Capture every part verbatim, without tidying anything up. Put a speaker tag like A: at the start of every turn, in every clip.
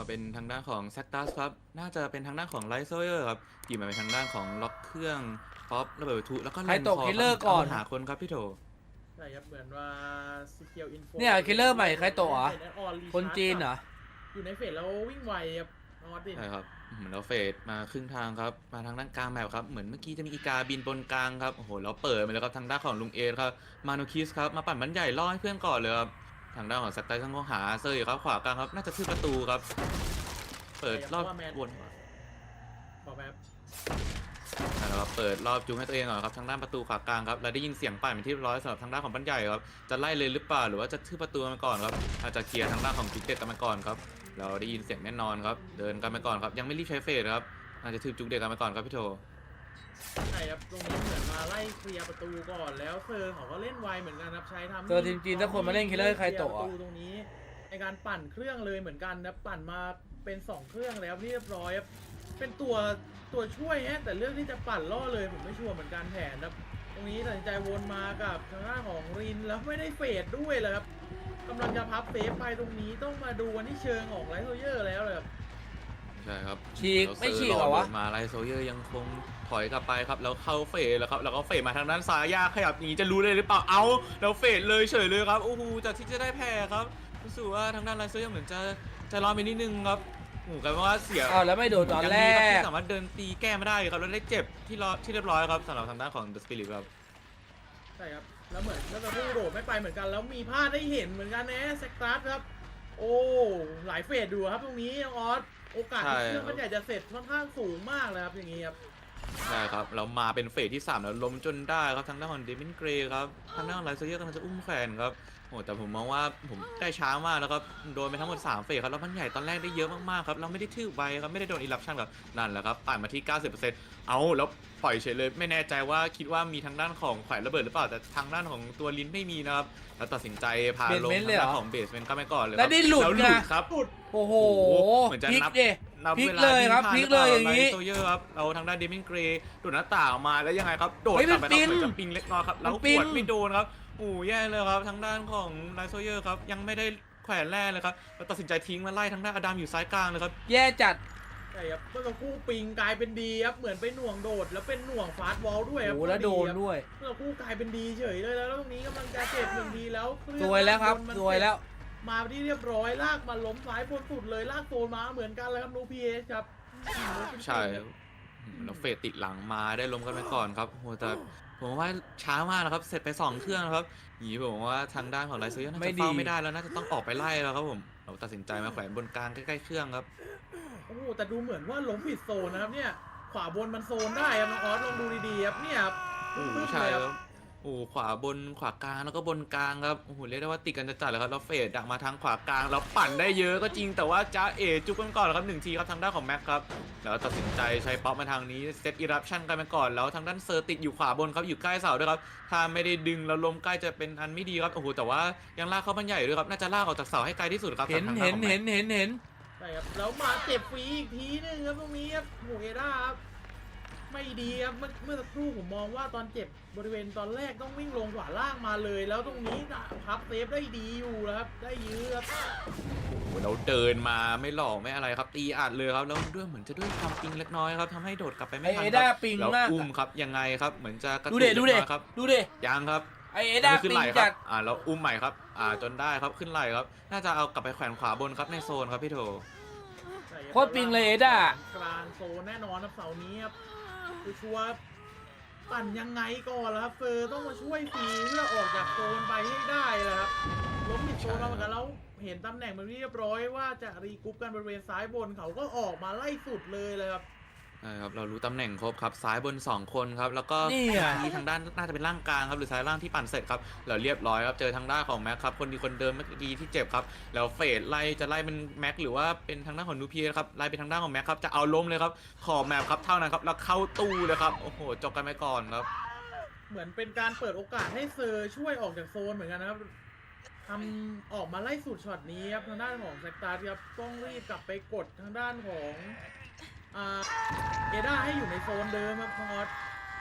A: เป็นทางด้านของแซกตัสครับน่าจะเป็นทางด้านของไลท์โซเยอร์ครับหยิบมาเป็นทางด้านของล็อกเครื่องป๊อประเบิดวัตถุแล้วก็
B: ใคร
A: แลน
B: ต
A: ค
B: ก
A: อ
B: คิล
A: ค
B: เลอ
A: รับ
B: ร์ก่อน
A: หาคนครับพี่โถ
C: ใช่ครับเหมือนว่าซีเคียวอินโฟ
B: เนี่ยคิลเลอร์ใหม่ใครโตะเหรอคนจีนเหรอ
C: อยู่ในเฟสแล้ววิ่งไวครับน้องออสติน
A: ใช่ครับเหมือนเราเฟดมาครึ่งทางครับมาทางด้านกลางแมปครับเหมือนเมื่อกี้จะมีอีกาบินบนกลางครับโอ้โหแล้วเปิดมาแล้วครับทางด้านของลุงเอครับมาโนคิสครับมาปั่นบันใหญ่ล่อให้เพื่อนก่อนเลยครับทางด้านของแซกตัสต้องหาเซอร์อยู่ครับขวากลางครับน่าจะทืบประตูครับเปิดรอบวน
C: บอกแบบ
A: นะครับเปิดรอบจูงให้ตัวเองก่อนครับทางด้านประตูขวากลางครับเราได้ยินเสียงปั่นเป็นที่เรียบร้อยสำหรับทางด้านของบันใหญ่ครับจะไล่เลยหรือเปล่าหรือว่าจะทืบประตูมาก่อนครับอาจจะเคลียร์ทางด้านของจุกเด็กกันมาก่อนครับเราได้ยินเสียงแน่นอนครับเดินกันมาก่อนครับยังไม่รีบใช้เฟสครับอาจจะทืบจุกเด็กกันมาก่อนครับพี่โท
C: ใช่ครับตรงนี้เหมือนมาไล่เคลียร์ประตูก่อนแล้วเซอร์เขาก็เล่นไวเหมือนกันครับใช้ทำ
B: เซอร์ทีมจีนถ้าคนมาเล่นคิลเลอร์ใครโตะ
C: ประตูตรงนี้ในการปั่นเครื่องเลยเหมือนกันนะปั่นมาเป็นสองเครื่องแล้วเรียบร้อยครับเป็นตัวตัวช่วยฮะแต่เรื่องที่จะปั่นล่อเลยผมไม่ชัวร์เหมือนกันแผนครับตรงนี้ตัดสินใจวนมากับทางด้านของรินแล้วไม่ได้เฟดด้วยเลยครับกำลังจะพับเซฟไปตรงนี้ต้องมาดูวันที่เชิงของไลท์โซเยอร์แล้วเลยครับ
A: ใช่ครับ
B: ฉีก
A: แล้ว
B: ไม่
A: เซอ
B: ฉีกเหรอวะ
A: ดินมาไลโซเยอร์ยังคงถอยกลับไปครับแล้วเข้าเฟสแล้วครับแล้วก็เฟสมาทางด้านซ้ายยากขยับอย่างนี้จะรู้เลยหรือเปล่าเอาแล้วเฟสเลยเฉยเลยครับโอ้โหจากที่จะได้แพ้ครับรู้สึกว่าทางด้านไลโซเยอร์เหมือนจะจะรอไปนิดนึงครับโอ้โหกลายเป็นว่าเสีย
B: อ้าวแล้วไม่โดนตอนแร
A: ยังดีครับ
B: ก
A: ที่สามารถเดินตีแก้ไม่ได้ครับแล้วได้เจ็บที่รอที่เรียบร้อยครับสำหรับทางด้านของเดอะสปิริตครับ
C: ใช่ครับแล้วเหมือนแล้วจะพูดโดดไม่ไปเหมือนกันแล้วมีพลาดได้เห็นเหมือนกันนะแซกตัสครับโอ้หลายเฟสดูครับตรงนี้น้องออสโอกาสที่เครื่องมันใหญ่จะเสร็จค่อนข้างสูงมากเลยครับอย่างนี้ครับ
A: ใช่ครับเรามาเป็นเฟสที่สามแล้วล้มจนได้ครับทางด้านของเดมินเกรย์ครับทางด้านของไลโซเยอร์กำลังจะอุ้มแขวนครับโอ้แต่ผมมองว่าผมได้ช้ามากแล้วครับโดนไปทั้งหมดสามเฟสครับแล้วมันใหญ่ตอนแรกได้เยอะมากๆครับเราไม่ได้ทืบไวครับไม่ได้โดนอิรัปชั่นครับนั่นแหละครับปั่นมาที่ เก้าสิบเปอร์เซ็นต์ เอาแล้วปล่อยเฉยเลยไม่แน่ใจว่าคิดว่ามีทางด้านของแขวนระเบิดหรือเปล่าแต่ทางด้านของตัวลิ้นไม่มีนะครับแล้วตัดสินใจพาลง
B: เบสเมนต์เลย
A: ทาง
B: เหรอ
A: ด้านของเบสเมนต์ก็ไม่ก่อนเลย
B: แล้วนี่หลุด
A: แล้วหลุด
B: นะ
A: ครับ
B: โอ้โห
A: เหมือนจะ
B: พลิก
A: นับ
B: ดิ
A: นับ
B: พลิก
A: วา
B: เลยครับ
A: ที่
B: พลิกเลยอย่าง
A: นี้
B: นี้
A: โซเยอร์ครับเราทางด้านเดมินเกรย์โดดหน้าต่างออกมาแล้วยังไงครับโดด
B: เฮ้ย
A: กลับไป
B: มัน
A: ครับเหมือน
B: ปิ้
A: จะ
B: ง
A: ปิงเล็กน้อยครับแล้ว
B: มัน
A: ข
B: ปิ้ง
A: วดไม่โดนครับโอ้แย่เลยครับทางด้านของไลโซเยอร์ครับยังไม่ได้แขวนแรกเลยครับแล้วตัดสินใจทิ้งมาไล่ทางด้านอดัมอยู่ซ้ายกลางเลยครับ
B: แย่จัด
C: ใช่ครับเมื่อสักครู่ปิงกลายเป็นดีครับเหมือนไปหน่วงโดดแล้วเป็นหน่วงฟาสต์วอลด้วยครับ
B: โอ้แล้วโดนด้วย
C: เมื่อสักครู่กลายเป็นดีเฉยเลยแล้วตรงนี้กำลังจะเจ็บหนึ่งดีแล้วเครื่อง
B: สวยแล้วครับ
C: มัน
B: สวยแล้ว
C: มาที่เรียบร้อยลากมาล้มซ้ายบนสุดเลยลากโซนมาเหมือนกันเลยครับนูพีเอสครับ
A: ใช่ครับแล้วเฟสติดหลังมาได้ล้มกันไปก่อนครับโหแต่ผมว่าช้ามากนะครับเสร็จไปสองเครื่องนะครับอย่างนี้ผมว่าทางด้านของไลโซเยอร์น่า
B: ไม่
A: จะ
B: ดี
A: เฝ้าไม่ได้แล้วน่าจะต้องออกไปไล่แล้วครับผมเราตัดสินใจมาแขวนบนกลางใกล้ๆเครื่องครับ
C: โอ้โหแต่ดูเหมือนว่าล้มผิดโซนนะครับเนี่ยขวาบนมันโซนได้ครับน้องออสลองดูดีๆครับเนี่ยครับ
A: โอ้โห
C: ปึ๊บๆ
A: ใช่
C: เลย
A: ค
C: ค
A: รั
C: รั
A: บบ โอ้โหขวาบนขวากลางแล้วก็บนกลางครับโอ้โหเรียกได้ว่าติดกันจัดๆเลยครับแล้วเฟดดักมาทางขวากลางแล้วปั่นได้เยอะก็จริงแต่ว่าจ้าเอจุกกันก่อนครับหนึ่งทีครับทางด้านของแม็กครับแล้วตัดสินใจใช้ป๊อปมาทางนี้เซตอิรัปชั่นกันไปก่อนแล้วทางด้านเซอร์ติดอยู่ขวาบนครับอยู่ใกล้เสาด้วยครับถ้าไม่ได้ดึงแล้วล้มใกล้จะเป็นอันไม่ดีครับโอ้โหแต่ว่ายังลากเข้าบันใหญ่ด้วยครับน่าจะลากออกจากเสาให้ไกลที่สุดครับ
B: เห็น
A: ทางด้า
B: เห็น
A: ของแม็ก
B: เห็นเห็นเห็น
C: ใช่ครับแล้วมาเจ็บฟรีอีกทีนึงครับตรงนี้ครับโหเอด้าครับไม่ดีครับเมื่อเมื่อสักครู่ผมมองว่าตอนเจ็บบริเวณตอนแรกต้องวิ่งลงขวาล่างมาเลย แล้วตรงนี้พับเซฟได้ดีอยู่นะครับได้ยื้อครับ
A: เราเดินมาไม่หลอกไม่อะไรครับตีอัดเลยครับแล้วด้วยเหมือนจะด้วยความปิงเล็กน้อยครับทำให้โดดกลับไป
B: ไอ
A: ไม่ทัน
B: เอ
A: ค
B: ด้า
A: รับ
B: ปิง
A: แล้ว
B: มาก
A: อุ้มครับยังไงครับเหมือนจะกระ
B: ดู
A: ตุก
B: เด
A: เล็
B: ดู
A: ก
B: เด
A: น้อยครับ
B: ดูเด
A: ยังครับ
B: ไอเอด้า
A: ขึ้น
B: ปิง
A: ไหลค
B: จั
A: รั
B: ด
A: บอ่าแล้วอุ้มใหม่ครับอ่าจนได้ครับขึ้นไหลครับน่าจะเอากลับไปแขวนขวาบนครับในโซนครับพี่โถ
C: ใช่รับ
B: โคตรปิงเลยเอด้า
C: กลางโซนแน่นอนครับเสาร์นี้ครับคือชัวร์ปั่นยังไงก่อนล่ะครับเฟอร์ต้องมาช่วยฟรีเพื่อออกจากโซนไปให้ได้เลยครับล้มผิดโซนมาเหมือนกันแล้วเห็นตำแหน่งมันเรียบร้อยว่าจะรีกรุ๊ปกันบริเวณซ้ายบนเขาก็ออกมาไล่สุดเลยเลยครับ
A: ใช่ครับเรารู้ตำแหน่งครบครับซ้ายบนสองคนครับแล้วก็
B: นี่อะ
A: ที่ทางด้านน่าจะเป็นร่างกลางครับหรือซ้ายล่างที่ปั่นเสร็จครับเราเรียบร้อยครับเจอทางด้านของแม็กครับคนดีคนเดิมเมื่อกี้ที่เจ็บครับแล้วเฟดไล่จะไล่เป็นแม็กหรือว่าเป็นทางด้านของนูเพียครับไล่ไปทางด้านของแม็กครับจะเอาล้มเลยครับขอแมปครับเท่านั้นครับแล้วเข้าตู้เลยครับโอ้โหจบกันไปก่อนครับ
C: เหมือนเป็นการเปิดโอกาสให้เซอร์ช่วยออกจากโซนเหมือนกันนะครับทำออกมาไล่สุดช็อตนี้ครับทางด้านของแซกตาร์ครับต้องรีบกลับไปกดทางด้านของอ่าเอด้าให้อยู่ในโซนเดิมครับพอด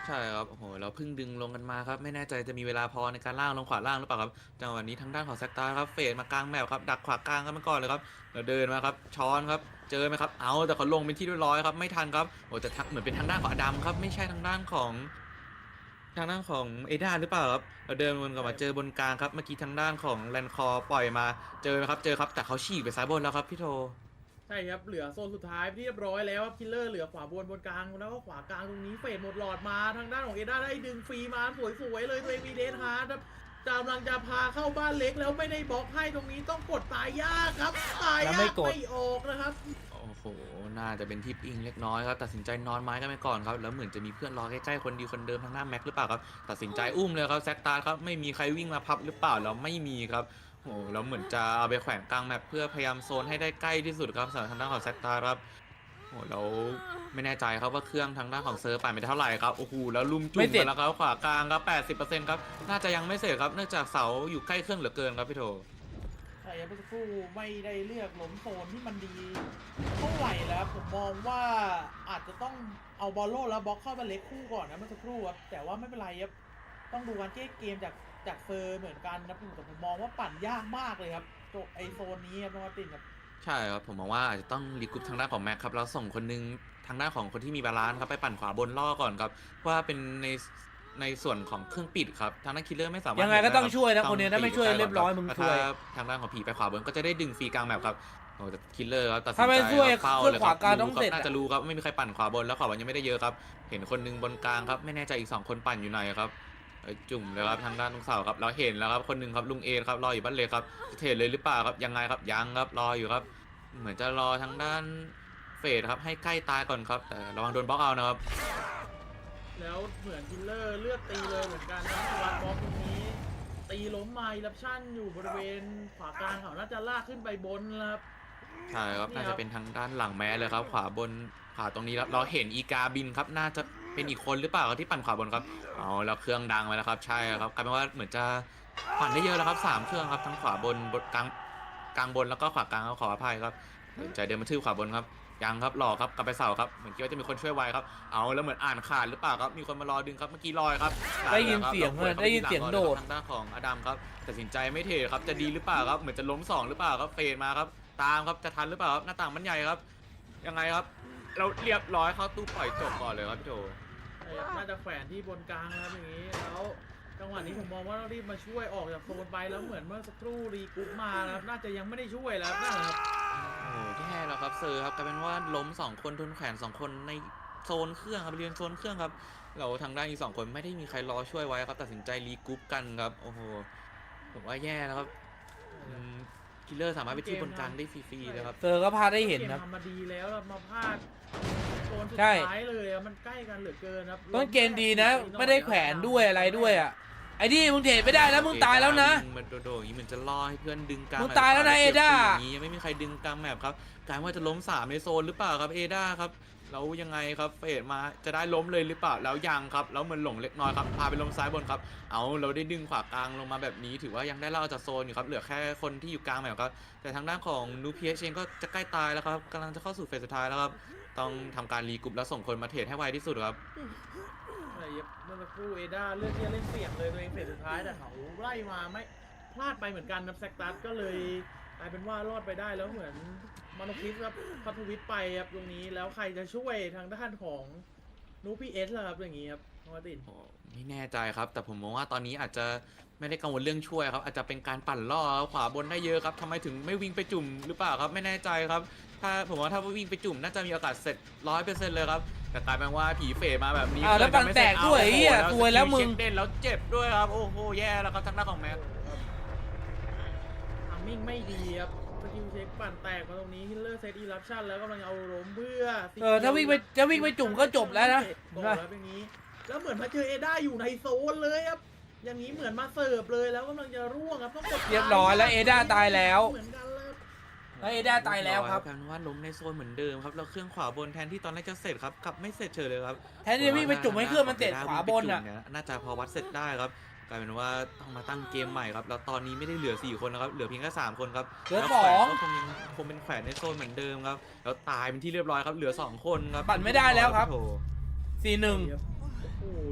A: ใช่ครับโอ้โหเราเพิ่งดึงลงกันมาครับไม่แน่ใจจะมีเวลาพอในการล่างลงขวาล่างหรือเปล่าครับจังหวะนี้ทางด้านของแซกตาครับเฟดมากลางแมปครับดักขวากลางกันมาก่อนเลยครับแล้วเดินมาครับช้อนครับเจอไหมครับเอาแต่เขาลงเป็นที่เรียบร้อยครับไม่ทันครับโอ้แต่ทักเหมือนเป็นทางด้านของอดัมครับไม่ใช่ทางด้านของทางด้านของเอดาหรือเปล่าครับเราเดินวนกลับมาเจอบนกลางครับเมื่อกี้ทางด้านของแลนคอร์ปล่อยมาเจอไหมครับเจอครับแต่เขาฉีกไปซ้ายบนแล้วครับพี่โท
C: ใช่ครับเหลือโซนสุดท้ายที่เรียบร้อยแล้วครับคิลเลอร์เหลือขวาบนบนกลางแล้วก็ขวากลางตรงนี้เฟดหมดหลอดมาทางด้านของเอด้าได้ดึงฟรีมาสวยๆเลยตัวเองมีเดนฮาร์ดครับกำลังจะพาเข้าบ้านเล็กแล้วไม่ได้บล็อกให้ตรงนี้ต้องกดตายยากครับตาย
B: แล้ว
C: ยา
B: ไม่
C: ก
B: กด
C: ไม่ออกนะครับ
A: โอ้โห น่าจะเป็นทิปอิงเล็กน้อยครับ ตัดสินใจนอนไม้กันไปก่อนครับ แล้วเหมือนจะมีเพื่อนรอใกล้ๆ คนดีคนเดิมทางหน้าแม็กหรือเปล่าครับ ตัดสินใจอุ้มเลยครับแซกตาร์ครับ ไม่มีใครวิ่งมาพับหรือเปล่าแล้วไม่มีครับโอ้โหแล้วเหมือนจะเอาไปแขวนกลางแมปเพื่อพยายามโซนให้ได้ใกล้ที่สุดครับสำหรับทางด้านของแซกตาร์ครับโอ้โหแล้วไม่แน่ใจครับว่าเครื่องทางด้านของเซิร์ฟไปไม่เท่าไหร่ครับโอ้โหแล้วลุมจุ่มไปแล้วครับขวากลางครับ แปดสิบเปอร์เซ็นต์ ครับ น่าจะยังไม่เสร็จครับ เนื่องจากเสาอยู่ใกล้เครื่องเหลือเกินครับพี่โถ
C: ใช่ครับเมื่อสักครู่ไม่ได้เลือกหล้มโซนที่มันดีเท่าไหร่แล้วผมมองว่าอาจจะต้องเอาบอลโลแล้วบล็อกเข้ามาเล็กคู่ก่อนนะเมื่อสักครู่ครับแต่ว่าไม่เป็นไรครับต้องดูการแก้เกมจากจากเฟอร์เหมือนกันนะแต่ผมมองว่าปั่นยากมากเลยครับโจไอโซนนี้ครับน้องมาร์ตินครับ
A: ใช่ครับผมมองว่าอาจจะต้องรีกรุ๊ปทางด้านของแม็กครับแล้วส่งคนหนึงทางด้านของคนที่มีบาลานซ์ครับไปปั่นขวาบนล่อก่อนครับว่าเป็นในในส่วนของเครื่องปิดครับทางด้านคิลเลอร์ไม่สามารถ
B: ยังไงก็ต้อง
A: เห็นด้
B: ช่วยนะ
A: รับ
B: คนเนี้ยถ้าไม่
A: ต้
B: ช่วย
A: ง
B: เรียบร้อยมึง
A: ถ้า
B: ช่วย
A: ทางด้านของผีไปขวาบนก็จะได้ดึงฟรีกลางแมปครับโอ้แต่คิลเลอร์ครับตัดสิน
B: ถ้าไม่
A: ใจ
B: ช่วย
A: ครับเฝ้า
B: เครื่อง
A: เลย
B: ข
A: ครั
B: วา
A: บ
B: กลาง
A: รู้
B: ต้อง
A: ครับ
B: เสร็จ
A: น่า
B: อะ
A: จะรู้ครับไม่มีใครปั่นขวาบนแล้วขวาบนยังไม่ได้เยอะครับเห็นคนหนึงบนกลางครับไม่แน่ใจอีกสองคนปั่นอยู่ไหนครับเอ้ยจุ่มเลยครับทางด้านลุงเสาครับเราเห็นแล้วครับคนหนึงครับลุงเอครับรออยู่บ้านเลยครับจะเทรดเลยหรือเปล่าครับยังไงครับยังครับรออยู่ครับ เหมือนจะรอทางด้านเฟดครับให้ใกล้ตายก่อนครับแต่ระวังโดนบล็อกเอานะครับ
C: แล้วเหมือนคิลเลอร์เลือดตีเลยเหมือนกันนะวัดบล็อกตรงนี้ ตีล้มมาอิรับชั่นอยู่บริเวณขวากลางเขาน่าจะลากขึ้นไปบนแล้วครับ
A: ใช่ครับ
C: นี่ครับ
A: น่าจะเป็นทางด้านหลังแม้เลยครับขวาบนขวาตรงนี้ครับเราเห็นอีกาบินครับน่าจะเป็นอีกคนหรือเปล่าครับที่ปั่นขวาบนครับเอาแล้วเครื่องดังไปแล้วครับใช่ครับกลายเป็นว่าเหมือนจะปั่นได้เยอะแล้วครับสามเครื่องครับทั้งขวาบนบนกลางกลางบนแล้วก็ขวากลางครับขออภัยครับตัดสินใจเดินมาทืบขวาบนครับยังครับหลอกครับกลับไปเสาครับเหมือนคิดว่าจะมีคนช่วยไวครับเอาแล้วเหมือนอ่านขาดหรือเปล่าครับมีคนมารอดึงครับเมื่อกี้ลอยครับ
B: ได้ยินเสียง
A: แล้ว
B: ได้ยินเสียงโดด
A: ทางด้านของอดัมครับตัดสินใจไม่เทครับจะดีหรือเปล่าครับเหมือนจะล้มสองหรือเปล่าครับเฟดมาครับตามครับจะทันหรือเปล่าครับหน้าต่างมันใหญ่ครับยังไงครับเราเรียบร้อยเข้าตู้ปล่อยจบก่อนเลยครับพี่โจ
C: ใช่ครับน่าจะแขวนที่บนกลางนะครับอย่างนี้แล้วจังหวะนี้ผมมองว่าต้องรีบมาช่วยออกจากโซนไปแล้วเหมือนเมื่อสักครู่รีกรุ๊ปมานะครับน่าจะยังไม่ได้ช่วยแล้วนะครับ
A: โอ้แย่แล้วครับเซอร์ครับกลายเป็นว่าล้มสองคนทุนแขวนสองคนในโซนเครื่องครับบริเวณโซนเครื่องครับเราทางด้านอีกสองคนไม่ได้มีใครรอช่วยไว้ครับตัดสินใจรีกรุ๊ปกันครับโอ้โหผมว่าแย่แล้วครับคิลเลอร์สามารถไปที่บนกลางได้ฟรีๆเลยครับ
B: เซอร์ก็พาได้เห็นครับ
C: กมทำมาดีแล้วเรามาพลาดโซนสุด
B: ใช่
C: ท้ายเลยอะมันใกล้กันเหลือเกินครับ
B: ต้นเกมดีนะ ไม่ได้แขวนด้วยอะไรด้วยอ่ะไอ้นี่มึงเทรดไม่ได้แล้วมึงตายแล้วนะ
A: มันโดดๆอย่างนี้เหมือนจะล่อให้เพื่อนดึงกลาง
B: มึงตายแล้วนะเอด้า
A: ย่างนี้ยังไม่มีใครดึงกลางแมปครับกลายว่าจะล้มสามในโซนหรือเปล่าครับเอด้าครับแล้วยังไงครับเฟดมาจะได้ล้มเลยหรือเปล่าแล้วยังครับแล้วเหมือนหลงเล็กน้อยครับพาไปล้มซ้ายบนครับเอาเราได้ดึงขวากลางลงมาแบบนี้ถือว่ายังได้เล่าจากโซนอยู่ครับเหลือแค่คนที่อยู่กลางแมปครับแต่ทางด้านของนูพีเอชเองก็จะใกล้ตายแล้วครับกำลังจะเข้าสู่เฟสสุดท้ายแล้วครับต้องทำการรีกรุ๊ปแล้วส่งคนมาเทรดให้ไวที่สุดครับ
C: ใช่ครับเมื่อสักครู่เอด้าเลือกที่จะเล่นเสี่ยงเลยตัวเองเฟสสุดท้ายแต่เขาไล่มาไม่พลาดไปเหมือนกันนะแซกตัสก็เลยกลายเป็นว่ารอดไปได้แล้วเหมือนมานคิสครับพัทวิทไปครับตรงนี้แล้วใครจะช่วยทางด้านของนูพีเอสล่ะครับอย่างนี้ครับน้องมาร์ติน
A: โอ้ไม่แน่ใจครับ แต่ผมมองว่าตอนนี้อาจจะไม่ได้กังวลเรื่องช่วยครับ อาจจะเป็นการปั่นล่อครับขวาบนได้เยอะครับทำไมถึงไม่วิ่งไปจุ่มหรือเปล่าครับไม่แน่ใจครับ ถ้าผมว่าถ้าวิ่งไปจุ่มน่าจะมีโอกาสเสร็จร้อยเปอร์เซ็นต์เลยครับแต่กลายเป็นว่าผีเฟดมาแบบนี้
B: อ้าวแล้ว
A: เกิดจะไม่
B: ปั่นแตก
A: สร็จ
B: ด้วย
A: อา
B: เหี้ย
A: โอ้โห
B: ซวยแล้วมึง
A: สกิเช็คเด่นแล้วเจ็บด้วยครับโอ้โหแย่แล้วครับทางด้านของแม็ก
C: ทามมิ่งไม่ดีครับสกิลเช็คปั่นแตกมาตรงนี้ฮิลเลอร์เซตอีรับชั่นแล้วกำลังเอาล้มเพื่อ
B: เออถ้าวิ่งไปจะวิ่งไปจุ่มก็จบแล้วนะ
C: จบแล้วอย่างนี้ แล้วเหมือนมาเจอเอด้าอยู่ในโซนเลยครับอย่างนี้เหมือนมาเสิร์ฟเลยแล้วกำลังจะร่วงครับต้องกด
B: เรียบร้อยแล้วเอด้าตายแล้ว
C: เหมือนกันเลย
B: แล้วเอด้าตายแล้วครับ
A: กลายเป็นว่าล้มในโซนเหมือนเดิมครับแล้วเครื่องขวาบนแทนที่ตอนแรกจะเสร็จครับกลับไม่เสร็จเฉยเลยครับ
B: แทนที่จะวิ่งไปจุ่มให้เครื่องมันเสร็จขวาบนอ่ะ
A: น่าจะพอวัดเสร็จได้ครับกลายเป็นว่าต้องมาตั้งเกมใหม่ครับแล้วตอนนี้ไม่ได้เหลือสี่คนนะครับเหลือเพียงแค่สามคนครับ
B: เหลือ
A: แล้ว
B: สอง
A: แขวนก็คงยังคงเป็นแขวนในโซนเหมือนเดิมครับแล้วตายเป็นที่เรียบร้อยครับเหลือสองคนครับ
B: ปั่นไม่ได้แล้วครับ
A: โถ
B: สี่หนึ่ง
C: โอ้โหเล่น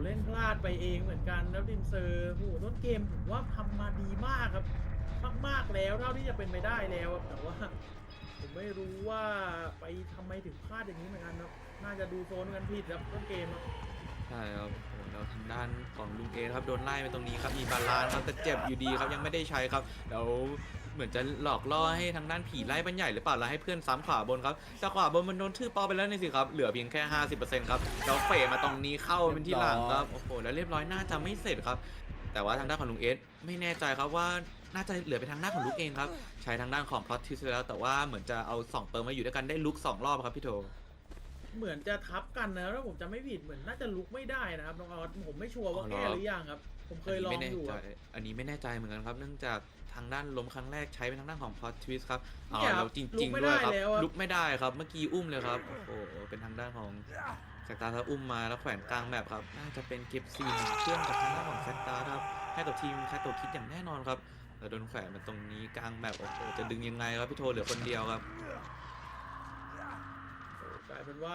C: ล่นพลาดไปเองเหมือนกันแล้วดินเซอร์โอ้โหต้นเกมผมว่าทำมาดีมากครับมากๆแล้วเท่าที่จะเป็นไปได้แล้วครับแต่ว่าผมไม่รู้ว่าไปทำไมถึงพลาดอย่างนี้เหมือนกันครับน่าจะดูโซนกันผิดครับต้นเกมครับ
A: ใช่ครับโอ้แล้วทางด้านของลุงเอครับโดนไล่ไปตรงนี้ครับมีบาลานซ์ครับแต่เจ็บอยู่ดีครับยังไม่ได้ใช้ครับแล้วเหมือนจะหลอกล่อให้ทางด้านผีไล่บันใหญ่หรือเปล่าแล้วให้เพื่อนซ้ำขวาบนครับแต่ขวาบนมันโดนทื่อปอไปแล้วนี่สิครับเหลือเพียงแค่ ห้าสิบเปอร์เซ็นต์ ครับแล้วเฟะมาตรงนี้เข้าเป็นที่หลังครับโอ้โหแล้วเรียบร้อยน่าจะไม่เสร็จครับแต่ว่าทางด้านของลุงเอสไม่แน่ใจครับว่าน่าจะเหลือไปทางด้านของลุกเองครับใช้ทางด้านของพลอตทิสแล้วแต่ว่าเหมือนจะเอาสองเปิร์มาอยู่ด้วยกันได้ลุกสองรอบครับพี่โท
C: เหมือนจะทับกันนะถ้าผมจะไม่ผิดเหมือนน่าจะลุกไม่ได้นะครับน้องออสผมไม่ชัวร์ว่า
A: อ๋อเหรอ
C: แก้หรือยังครับ ผมเคยลองอยู่
A: อันนี้ไม่แน่ใจ
C: อะ
A: อันนี้ไม่แน่ใจเหมือนกันครับ เนื่องจากทางด้านล้มครั้งแรกใช้เป็นทางด้านของพอ t ทวิสครับอ๋อ
C: เนี่ยครับ
A: แล้วจ
C: ลุ
A: ริ
C: ก
A: ง
C: ไม่
A: ๆด้วยครับ
C: ได้แล้วอะ
A: ลุกไม่ได้ครับ เมื่อกี้อุ้มเลยครับ โอ้โห เป็นทางด้านของแซกตาร์ถ้าอุ้มมาแล้วแขวนกลางแมปครับ น่าจะเป็นเก็บซีนเครื่องกับทางด้านของแซกตาร์ครับ ให้กับทีมแคทโตคิดอย่างแน่นอนครับแล้วโดนแขวนมาตรงนี้กลางแมปโอ้โห จะดึงยังไงครับพี่โทเหลือคนเดียวครับ
C: กลายเป็นว่า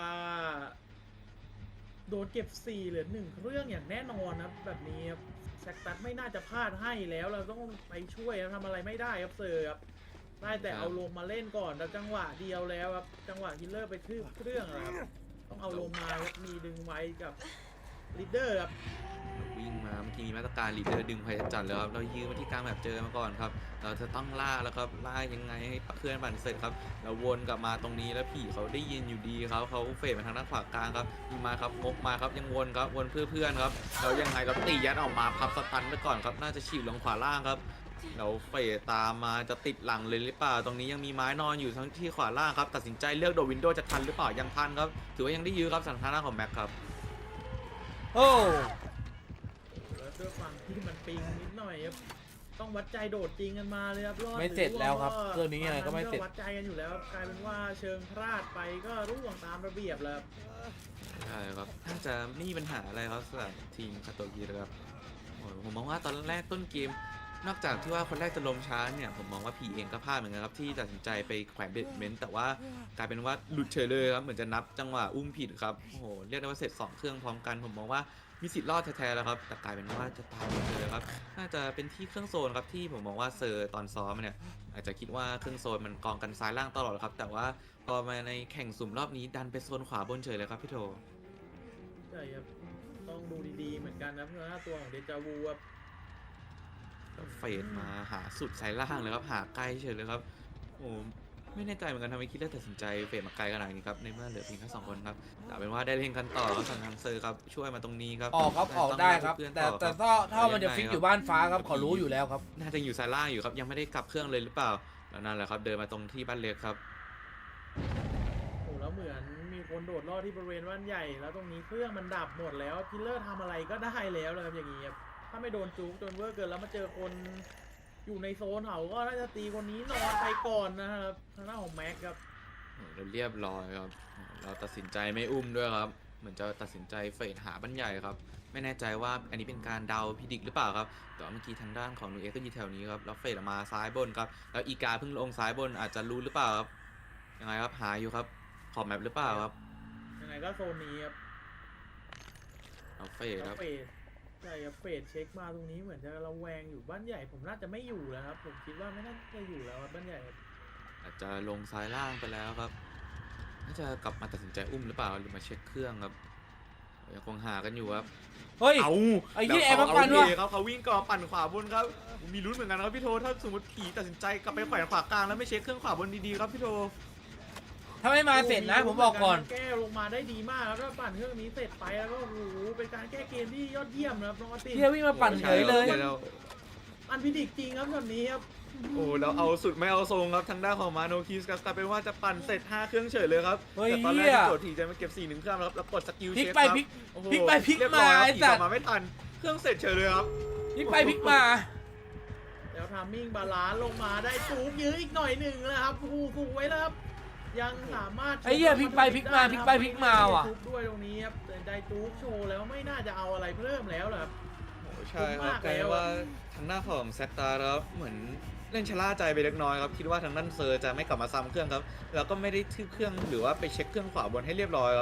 C: โดนเก็บสี่เหลือหนึ่งเรื่องอย่างแน่นอนครับแบบนี้ครับแซกตัสไม่น่าจะพลาดให้แล้วเราต้องไปช่วยครับทำอะไรไม่ได้ครับเซอร์ครับได้แต่
A: ครับ
C: เอาลงมาเล่นก่อนแต่จังหวะเดียวแล้วครับจังหวะคิลเลอร์ไปทืบเครื่องอะครับต้องเอาลงมาครับมีดึงไว้กับลีดเดอร์ครับ
A: วิ่งมาเมื่อกี้มีมาตรการลีดเดอร์ดึงไฟจัดเลยครับเรายืนมาที่กลางแบบเจอมาก่อนครับเราจะต้องล่าแล้วครับล่ายังไงให้เคลื่อนปั่นเสร็จครับเราวนกลับมาตรงนี้แล้วผีเขาได้ยินอยู่ดีครับเขาเฟดมาทางด้านขวากลางครับมีมาครับงกมาครับยังวนครับวนเพื่อเพื่อนครับเรายังไงเราตียัดออกมาพับสตันไปก่อนครับน่าจะฉีกลงขวาล่างครับเราเฟดตามมาจะติดหลังเลยหรือเปล่าตรงนี้ยังมีไม้นอนอยู่ทั้งที่ขวาล่างครับตัดสินใจเลือกโดดวินโดว์จะทันหรือเปล่ายังทันครับถือว่ายังได้ยื้อครับสถานะของแม็กครับ
B: โอ้
C: แล้วด้วยความที่มันปิงนิดหน่อยครับต้องวัดใจโดดจริงกันมาเลยครับรอด
B: ไม่เสร็จแล้วครับ
C: ห
B: เรื่องนี้ยังไงก็ไม่เสร็จ
C: วัดใจกันอยู่แล้วครับกลายเป็นว่าเชิงพลาดไปก็ร่วงตามระเบียบแล้วครับ
A: ใช่ครับน่าจะไม่มีปัญหาอะไรครับสำหรับทีมคาโตกินะครับโอ้ยผมมองว่าตอนแรกต้นเกม นอกจากที่ว่าคนแรกจะลมช้าเนี่ยผมมองว่าพีเองก็พลาดเหมือนกันครับที่ตัดสินใจไปแขวนเบดเมนต์แต่ว่ากลายเป็นว่าหลุดเฉยเลยครับเหมือนจะนับจังหวะอุ้มผิดครับโอ้โหเรียกได้ว่าเสร็จสองเครื่องพร้อมกันผมมองว่ามีสิทธิ์รอดแท้ๆแล้วครับแต่กลายเป็นว่าจะตายหมดเลยครับน่าจะเป็นที่เครื่องโซนครับที่ผมมองว่าเซอร์ตอนซ้อมเนี่ยอาจจะคิดว่าเครื่องโซนมันกองกันซ้ายล่างตลอดครับแต่ว่าพอมาในแข่งสุ่มรอบนี้ดันไปโซนขวาบนเฉยเลยครับพี่โท
C: ใช่ครับต้องดูดีๆเหมือนกันนะเพราะว่าตัวของเดจาวูครับ
A: เฟดมาหาสุดสายล่างเลยครับหาไกลเฉยเลยครับโอ้ไม่แน่ใจเหมือนกันทำไมคิดแล้วตัดสินใจเฟดมาไกลขนาดนี้ครับในเมื่อเหลือเพียงแค่สองคนครับแต่เป็นว่าได้เล่นกันต่อครับทางทางเซอร์ครับช่วยมาตรงนี้ครับ
B: ออกครับออกได้ครับ
A: เพื่อน
B: แต่
A: ต่อ
B: แต่
A: ครับ
B: ถ้าถ้ามันจะฟิกอยู่บ้านฟ้าครับขอรู้อยู่แล้วครับ
A: น่าจะอยู่สายล่างอยู่ครับยังไม่ได้กลับเครื่องเลยหรือเปล่าแล้วนั่นแหละครับเดินมาตรงที่บ้านเล็กครับ
C: โอ้แล้วเหมือนมีคนโดดลอดที่บริเวณบ้านใหญ่ แล้วตรงนี้เครื่องมันดับหมดแล้วพิลเลอร์ทำอะไรก็ได้แล้วเลยครับอย่างนี้ครับถ้าไม่โดนจุกจนเวอร์เกินแล้วมาเจอคนอยู่ในโซนเขาก็น่าจะตีคนนี้นอนไปก่อนนะครับทางหน้าของแม็กครับ
A: โอ้เราเรียบร้อยครับเราตัดสินใจไม่อุ้มด้วยครับเหมือนจะตัดสินใจเฟดหาบ้านใหญ่ครับไม่แน่ใจว่าอันนี้เป็นการเดาพิดิกหรือเปล่าครับแต่ว่าเมื่อกี้ทางด้านของนูเอ็กก็อยู่แถวนี้ครับแล้วเฟดออกมาซ้ายบนครับแล้วอีกาเพิ่งลงซ้ายบนอาจจะรู้หรือเปล่าครับยังไงครับหาอยู่ครับขอบแมปหรือเปล่าครับ
C: ยังไงก็โซนนี้ครับ
A: เอาเฟด
C: แล้
A: คว รับ
C: เฟดใช่ครับเฟดเช็คมาตรงนี้เหมือนจะระแวงอยู่บ้านใหญ่ผมน่าจะไม่อยู่แล้วครับผมคิดว่าไม่น่าจะอยู่แล้วครับบ้านใหญ่ครับ
A: อาจจะลงซ้ายล่างไปแล้วครับน่าจะกลับมาตัดสินใจอุ้มหรือเปล่าหรือมาเช็คเครื่องครับยังคงหากันอยู่ครับ
B: เฮ้ย
A: เอา
B: ไอ้เหี้ย
A: แล้ว
B: แอบมาปั่น
A: เข
B: ว่ะ
A: เทครับเขาวิ่งก่อปั่นขวาบนครับมีลุ้นเหมือนกันครับพี่โทถ้าสมมติผีตัดสินใจกลับไปแขวนขวากลางแล้วไม่เช็คเครื่องขวาบนดีๆครับพี่โท
B: ถ้าไม่มาเสร็จนะผมบอกก่อน
C: แก้ลงมาได้ดีมากครับแล้วปั่นเครื่องนี้เสร็จไปแล้วก็โอ้โหเป็นการแก้เกมที่ยอดเยี่ยมนะครับน้องอาร์ติน
B: เฮียวิ่งมาปั่นเฉยเลย
A: แล้ว
C: อันพิดิกจริงครับช็อตนี้ครับ
A: โอ้แล้วเอาสุดไม่เอาทรงครับทางด้านของมาโนคิสครับกลายเป็นว่าจะปั่นเสร็จห้าเครื่องเฉยเลยครับ
B: เฮ้ย
A: แต่ตอนแรก
B: เหี้ย
A: ที่โจทย์ทีจะมาเก็บสี่หนึ่งเครื่องแล้วครับแล้วกดสกิล
B: พลิก
A: เช็ค
B: ไป
A: ครับ
B: พลิก
A: โอ้โห
B: พลิกไปพลิก
A: เรียบร้อย
B: มา
A: ครับ
B: ไอ้
A: ผี
B: สั
A: ก
B: ตว์
A: ลับมาไม่ทันเครื่องเสร็จเฉยเลยครับ
B: พลิกไปพลิกมา
C: แล้วทามมิ่งบาลานซ์ลงมาได้จูบยื้ออีกหน่อยหนึ่งนะครับโอ้โหถูกไว้แล้วครับยังสามารถ
B: ไอ้เหี้ยพลิกไปพลิกมาพลิกไปพลิกมาว่ะ
C: ทุบด้วยตรงนี้ครับแต่ได้จูบโชว์แล้วไม่น่าจะเอาอะไรเพิ่มแล้วเหรอครับ
A: โอ้ใช่ครับ
C: มาก
A: กลาย
C: แล้ว
A: ว่าทางหน้าของแซตตาร์ครับเหมือนเล่นชะล่าใจไปเล็กน้อยครับคิดว่าทางด้านเซอร์จะไม่กลับมาซ้ำเครื่องครับแล้วก็ไม่ได้ทืบเครื่องหรือว่าไปเช็คเครื่องขวาบนให้เรียบร้อยครับ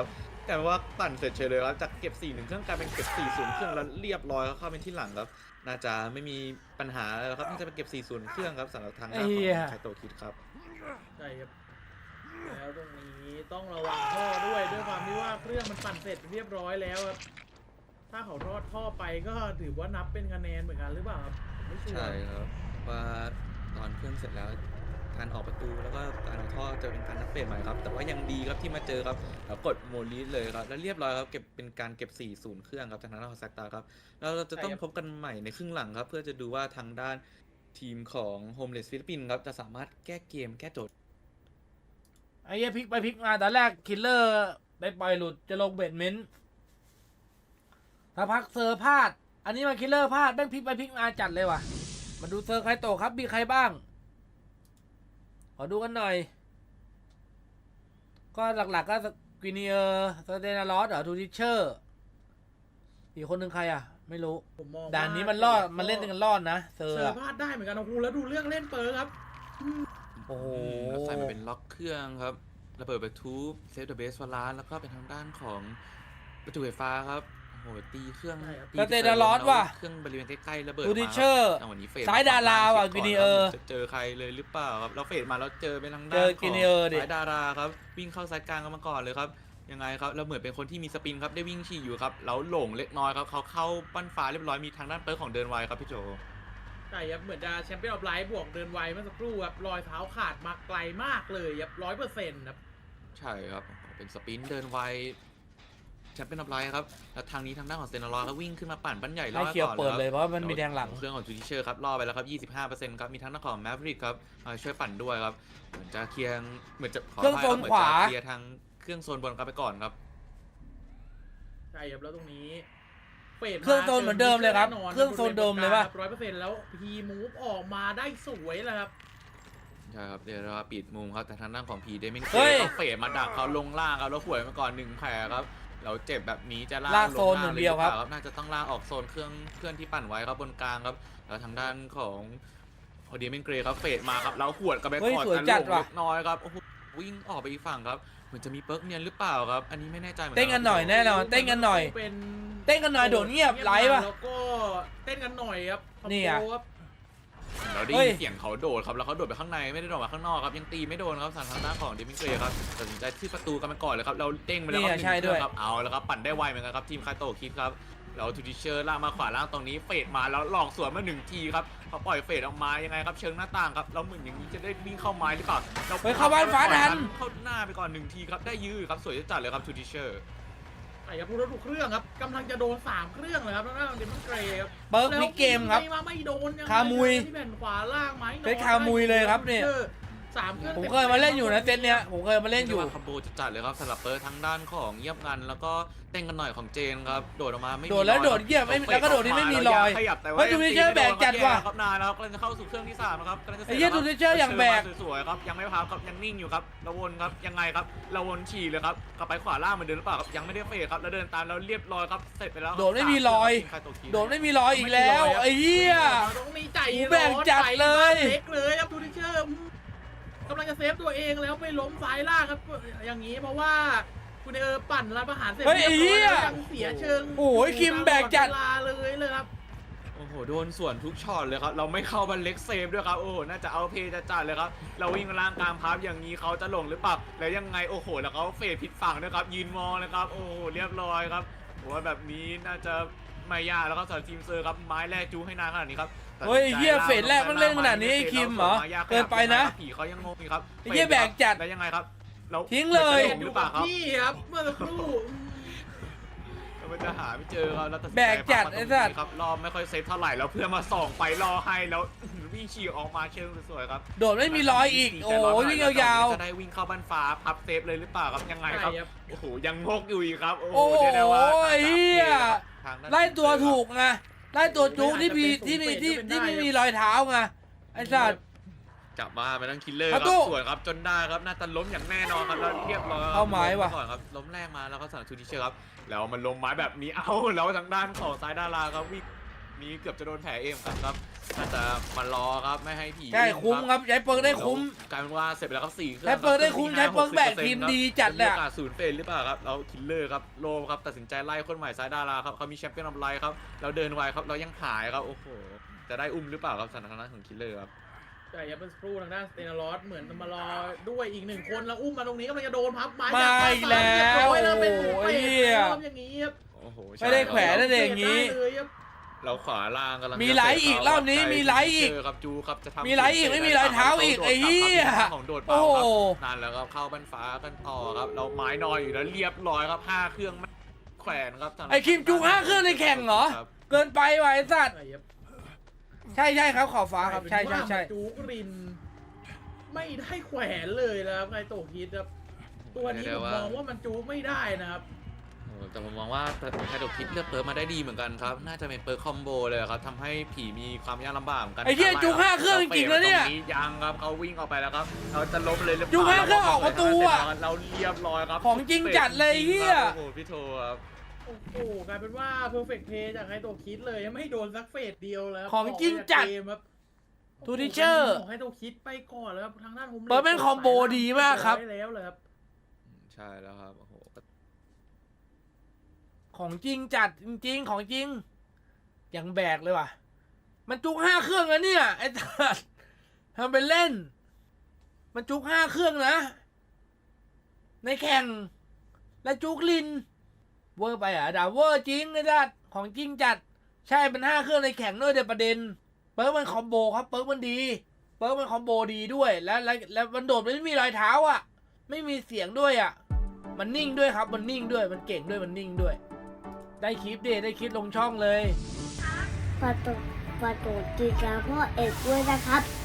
A: แต่ว่าปั่นเสร็จเฉยเลยครับจากเก็บสี่หนึ่งเครื่องกลายเป็นเก็บสี่ศูนย์เครื่องแล้วเรียบร้อยครับเข้าเป็นที่หลังครับน่าจะไม่มีปัญหาแล้วครับน่าจะเป็นเก็บสี่ศูนย์เครื่องครับสำหรับทางด้านของไคโตะคิดครับ
C: ใช่ครับแล้วตรงนี้ต้องระวังท่อด้วยด้วยความที่ว่าเครื่องมันปั่นเสร็จเรียบร้อยแล้วครับถ้าเขารอดท่อไปก็ถือว่านับเป็นคะแนนเหมือนกันหรือเปล่าครับไม่ชัว
A: ใช่
C: ร์
A: ครับว่าตอนเครื่องเสร็จแล้วการออกประตูแล้วก็การเอาท่อจะเป็นการนับเฟสใหม่ครับแต่ว่ายังดีครับที่มาเจอครับแล้วกดโมลีสเลยครับแล้วเรียบร้อยครับเก็บเป็นการเก็บสี่ศูนย์เครื่องครับทางด้านของแซกตาครับแล้วเราจะต้องพบกันใหม่ในครึ่งหลังครับเพื่อจะดูว่าทางด้านทีมของโฮมเลสฟิลิปปินส์ครับจะสามารถแก้เกมแก้โจทย์
B: ไอ้เหี้ยพลิกไปพลิกมาตอนแรกคิลเลอร์ไปปล่อยหลุดจะลงเบดเมนต์ถ้าพักเซอร์พลาด อันนี้มาคิลเลอร์พลาดแม่งพลิกไปพลิกมาจัดเลยว่ะมาดูเซอร์ใครโตครับมีใครบ้างขอดูกันหน่อย ก็หลักๆก็กวินเนียร์สเตนาลอสเหรอทูทิเชอร์อีกคนหนึ่งใครอ่ะ ไม่รู้
C: ผมมอง
B: ด่านนี้มันรอดมันเล่นกันรอดนะเซอร์
C: เซอ
B: อะ
C: ร์พลาดได้เหมือนกันโอ้โหแล้วดูเรื่องเล่นเปิร์ครับ
B: โอ้โห
A: แล้วใส่มาเป็นล็อกเครื่องครับระเบิดประตูเซฟเดอะเบสฟอร์ลานแล้วก็เป็นทางด้านของประตูไฟฟ้าครับโอ้โหตีเครื่อง
C: ใช่ครับ
A: ตี
B: สเตนาลอสว่ะ
A: เครื่องบริเวณใกล้ๆระเบิด
B: ทู
A: มา
B: ทิ
A: ค
B: เช
A: รั
B: อบ ร์
A: จังหวะนี้เฟด
B: ซ้ายดาราว่ะ
A: ช็ค
B: กินีเออร์
A: จะเจอใครเลยหรือเปล่าครับเราเฟดมาแล้วเจอเป็นทาง
B: เจ
A: ด้าน
B: อ
A: ข
B: กิ
A: อง
B: นีเออร์ดิ
A: ซ้ายดาราครับวิ่งเข้าซ้ายกลางกันมาก่อนเลยครับยังไงครับเราเหมือนเป็นคนที่มีสปินครับได้วิ่งฉี่อยู่ครับแล้วหลงเล็กน้อยครับเขาเข้าปั้นฟ้าเรียบร้อยมีทางด้านเปิร์ของเดินไวครับพี่โจ
C: ใช่ครับเหมือนจะแชมเปี้ยนออฟไลท์บวกเดินไวเมื่อสักครู่ครับรอยเท้าขาดมาไกลมากเลยครับร้อยเปอร์เซ็นต์ครับ
A: ใช่ครับเป็นสปินเดินไวแชมเปี้ยนออฟไลท์ครับแล้วทางนี้ทางด้านของเซนารอก็วิ่งขึ้นมาปั่นปั้นใหญ่ล่
B: ไล่
A: อ
B: เขียว
A: ก่อน
B: เปิด
A: ครับ
B: เลยเพราะมันมีแดงหลัง
A: เครื่องของจูดิเชอร์ครับล่อไปแล้วครับ ยี่สิบห้าเปอร์เซ็นต์ ครับมีทางด้านของแมฟริกครับมาช่วยปั่นด้วยครับเหมือนจะเคลียร์เหมือนจะข
B: เครื่อง
A: ภัย
B: โซ
A: บ
B: น
A: เหมื
B: ขวา
A: จะเคลียร์ทางเครื่องโซนบนครับไปก่อนครับ
C: ใช่ครับแล้วตรงนี้เฟด
B: เครื่องโซนเหมือนเดิมเลยครับ
C: แน่นน
B: เครื่องโซนเดิมเลยปะ
C: ร้อยเปอร์เซ็นต์แล้วพีมูฟออกมาได้สวยแล้วครับ
A: ใช่ครับเดี๋ยวเราปิดมุมครับแต่ทางด้านของพีเดมิน
B: เฮ้ย
A: เขาเฟดมาดักเขาลงล่างครับแล้วหวยมาก่อนหนึ่งแผลครับเราเจ็บแบบนี้จะล่าง
B: ลากโซน
A: ล
B: หนึ่งเดียวครับ
A: ลหอปล่าน่าจะต้องล่างออกโซนเครื่องเครื่องที่ปั่นไว้ครับบนกลางครับแล้วทางด้านของโอเดียเมนเกรครับเฟดมาครับแล้วขวดกับแบ็ค
B: เฮ้ย
A: คอร์ด
B: สวย
A: กัน
B: จัด
A: ลง
B: ว่ะ
A: เล็กน้อยครับโอ้โหวิ่งออกไปอีกฝั่งครับเหมือนจะมีเปิร์กเนียนหรือเปล่าครับอันนี้ไม่แน่ใจเหมือนกั
B: เต้นกันหน่อยแน่นอนเต้นกันหน่อย
C: เป็น
B: เต้นกันหน่อยโดดเงียบไลฟ์ป่ะ
C: แล้วก็เต้นกันหน่อยครับ
B: นี่อะ
C: คอมโบครับ
A: เราได้
B: เฮ้
A: ยิ
B: ย
A: นเสียงเขาโดดครับแล้วเขาโดดไปข้างในไม่ได้โดดมาข้างนอกครับยังตีไม่โดนครับทางด้านของเดมินเกรครับตัดสินใจที่ประตูกันไปก่อนเลยครับเราเด้งไปแล้วครับหนึ่ง
B: ใช่ด้วย
A: เครื่องครับเอาแล้วครับปั่นได้ไวเหมือนกันครับทีมคาโตะคิดครับแล้วทูดิเชอร์ล่างมาขวาล่างตรงนี้เฟดมาแล้วหลอกสวนมาหนึ่งทีครับเขาปล่อยเฟดออกมายังไงครับเชิงหน้าต่างครับแล้วเหมือนอย่างนี้จะได้วิ่งเข้าไม้หรือเปล่าเรา
B: เฮ้ยเข้าบ้านฟ้าทัน
A: เข้าหน้าไปก่อนหนึ่งทีครับได้ยื้อครับสวยจัดเลยครับทูดิเชอร์
C: ไอ้ครับพูดแล้วดูเครื่องครับกำลังจะโดนสามเครื่องเลยครับแล้วนั่นเดมอนเกรย์ครับ
B: เปิร์กพลิกเกมครับ
C: แล้วไม่มาไม่โดนยังไง
B: คามุย
C: ที่แผ่นขวาล่างไหม
B: เป็นคามุยเลยครับเนี่ย
C: สามเครื่อง
B: ผมเคยมาเล่นอยู่นะเซตเนี้ยผมเคยมาเล่นอยู่
A: คอมโบจะจัดเลยครับสำหรับเปิร์ทางด้านของเยียบงันแล้วก็เต้นกันหน่อยของเจนครับโดดออกมาไม่มี
B: โดดแล้ว
A: รอ
B: โดดเยี่ยมไม่แล้วก็โดดที่ไม่มีรอย
A: ขยับแต่
B: เฮ้
A: ว่าย
B: ทูดิเชอร์แบกจัดว่ะ
A: ครับนานแล้วกำลังจะเข้าสู่เครื่องที่สามนะครับกำลังจะสร็จ
B: ไอ้เหี้ย
A: แล้วคบ
B: ทูดิเชอร์อย่างแบก
A: สวยๆครับยังไม่พับครับยังนิ่งอยู่ครับระวนครับยังไงครับระวนฉี่เลยครับกลับไปขวาล่างเหมือนเดิมหรือเปล่าครับยังไม่ได้เฟดครับแล้วเดินตามแล้วเรียบร้อยครับเสร็จไปแล้วครับ
B: โดดไม่มีรอย
A: สามเคงครับ
B: โดดไม่มีรอยอีกแล้วไอ้เหี้ย
C: ต้องมีใจ
B: กูแบ่งจัดเลย
C: ใจบ้านเล็กเลยครับทูดิเชอร์กำลังจะเซฟตัวเองแล้วไปล้มซ้ายล่างครับอย่างนี้เพราะว่าคุณเออปั่นรับอาหารเสร็จ
B: เฮ้ยไอ้เหี้ย
C: รีบร้อแล้วยังเสียเชิง
B: โอ้ยคิมแบกจัด
C: เวลาเลยเลยครับ
A: โอ้โหโดนส่วนทุกช็อตเลยครับเราไม่เข้าบันเล็กเซฟด้วยครับโอ้โหน่าจะเอาเพย์จะจัดเลยครับเราวิ่งล่างกลางพับอย่างนี้เขาจะหลงหรือเปล่าแล้วยังไงโอ้โหแล้วเขาเฟดผิดฝั่งด้วยครับยืนมองเลยครับโอ้โหเรียบร้อยครับผมว่าแบบนี้น่าจะไม่ยากแล้วก็สำหรับทีมเซอร์ครับไม้แรกจูให้นานขนาดนี้ครับ
B: เฮ้ยเหี้ยเฟสแรกมันเล่นขนาดนี้ไอ้คิมเหรอเกินไปนะ
A: ผีเขายังงงอยู่ครับ
B: ไอ้เหี้ยแบกจัด
A: แล้วยังไงครับเรา
B: ทิ้งเลย
A: หมือนจะหลงหรือเปล่าครับ
C: พี่ครับเมื่อสักครู่
A: แล้วมันจะหาไม่เจอครับแล้วตัดสินใจ
B: แบกจัด
A: พัมาตรง
B: ไอ้สัตว์
A: นี้ครับรอบไม่ค่อยเซฟเท่าไหร่แล้วเพื่อนมาส่องไปรอให้แล้ววิ่งฉีกออกมาเชิงสวยๆครับ
B: โดดไม่มีรอยอีกโอ้ยวิ่งยาว
A: จะได้วิ่งเข้าบ้านฟ้าพับเซฟเลยหรือเปล่าครับยังไงครับ
C: ใช่ครับ
A: โอ้โหยังงกอยู่อีกครับโอ้
B: ๆ
A: โห
B: โอ้โห
A: เรียกได้ว่า
B: เหี้ย
A: ทางด้าน
B: ไล่ตัวถูกไงไล่ตัวจุกที่มีที่มีที่ที่ไม่มีรอยเท้าไงไอ้สัตว์
A: จับมาไปทั้งคิลเลอร์ค
B: ป
A: รั
B: ระตู
A: บสวนครับจนได้ครับน่าจะล้มอย่างแน่นอนครับแล้วเรียบร้อยครับ
B: เอาไม้ว่ะ
A: ก่อนครับล้มแรกมาแล้วก็สั่งทูดิเชอร์ครับแล้วมันลงไม้แบบนี้เอ้าแล้วทางด้านของซ้ายดาราครับวิ่งนี้เกือบจะโดนแผลเอ็มครับครับน่าจะมารอครับไม่ให้ผี
B: ใช่คุ้มครับใช้เปิร์กได้คุ้ม
A: กลายเป็นว่าเสร็จไปแล้วครับสี่เครื่อง
B: ใช้เปิร์กได้คุ้มใช้เปิร์กแบกทีมดีจัดเลย
A: มี
B: อะ
A: โอกาสศูนย์เฟรนหรือเปล่าครับแล้วคิลเลอร์ครับโลมครับตัดสินใจไล่คนใหม่ซ้ายดาราครับเขามีแชมเปี้ยนออฟไลท์ครับเราเดินไวครับเรายังหายครับโอ้โหจะได้อุ้มหรือเปล่าครับสถานการณ์ของคิลเลอร์ครับ
C: แต่ยับเป็นสครูทางด้านสเตนารอสเหมือนจะมารอด้วยอีกหนึ่งคนแล้วอุ้มมาตรงนี้ก็มันจะโดนพับไม้
B: มาอีกแล้ว
C: เรียบร้อยแล้วเป็น
B: โอ้
C: เป็
B: ย
C: ด
B: เหี้ย
C: แล้วอย่างนี้ครับ
A: โอ้โห
B: ไม่ได้แขวนนั่นเอง อย่างนี้
C: ได้เลยครับ
A: เราขวาล่างกำลัง
B: มีไหลอีกรอบนี้มีไหลอีก
A: เจครับจูครับจะทำ
B: มีไหลอีกไม่มีรอยเท้าอีกไอ้เหี้ย
A: ของโดด
B: โอ้
A: เป่า
B: โห
A: ครับนั่นแล้วครับเข้าบันฟ้ากันต่อครับเราไม้นอยอยู่แล้วเรียบร้อยครับห้าเครื่องแขวนครับทาง
B: ไอ้คิมจุกห้าเครื่องในแข่งเหรอ
A: ครับ
B: เกินไปว่ะไอ้สัตว์
C: ใช่ครับ
B: ใช่ใช่ครับขอบฟ้าครับใช่ใช่ใช่
C: จูกริน ไม่ได้แขวนเลยนะครับไงโตคิดครับตัวนี้ผมมองว่ามันจูกไม่ได้นะครับ
A: โอ้แต่ผมมองว่าไคโดคิดเลือกเปิร์มาได้ดีเหมือนกันครับน่าจะเป็นเปิร์คอมโบเลยครับทำให้ผีมีความยากลำบากเหมือนกัน
B: ไอ้เหี้ยจุกห้าเครื่องจริงๆแล้วเนี่ย
A: ตรงยังครับเขาวิ่งออกไปแล้วครับเราจะล้มเลยหรือเปล่า
B: จุกห้าเครื่องออกประตูอะ
A: เราเรียบร้อยครับ
B: ของจริงจัดเลยเหี้ย
A: โอ้โหพี่โทครับ
C: โอ้โหกลายเป็นว่า perfect play จากไฮโตคิดเลยยังไม่โดนสักเฟสเดียวแล้ว
B: ของจริงจัด
C: เกมครับ
B: ทูดิเชอร์
C: ของไฮโตคิดไปก่อนแล้วครับทางด้านผม
B: เปิดเป็นคอมโบดีมากครับ
C: ได้แล้วเลยครับ
A: ใช่แล้วครับโอ้โห
B: ของจริงจัดจริงๆของจริงอย่างแบกเลยว่ะ มันจุกห้าเครื่องนะเนี่ยไอ้สัสทำเป็นเล่น มันจุกห้าเครื่องนะ ในแข่ง และจุกลิน เวอร์ไปอ่ะด่าเวอร์จริงไอ้สัสของจริงจัด ใช่เป็นห้าเครื่องในแข่งด้วยเดี๋ยวประเด็น เปิร์กมันคอมโบครับเปิร์กมันดี เปิร์กมันคอมโบดีด้วยแล้วแล้วแล้วมันโดดไม่มีรอยเท้าอ่ะ ไม่มีเสียงด้วยอ่ะ มันนิ่งด้วยครับมันนิ่งด้วยมันเก่งด้วยมันนิ่งด้วย ได้คลิปดิได้คลิปลงช่องเลย
D: ฝากกดฝากกดติดตามพ่อเอกด้วยนะครับ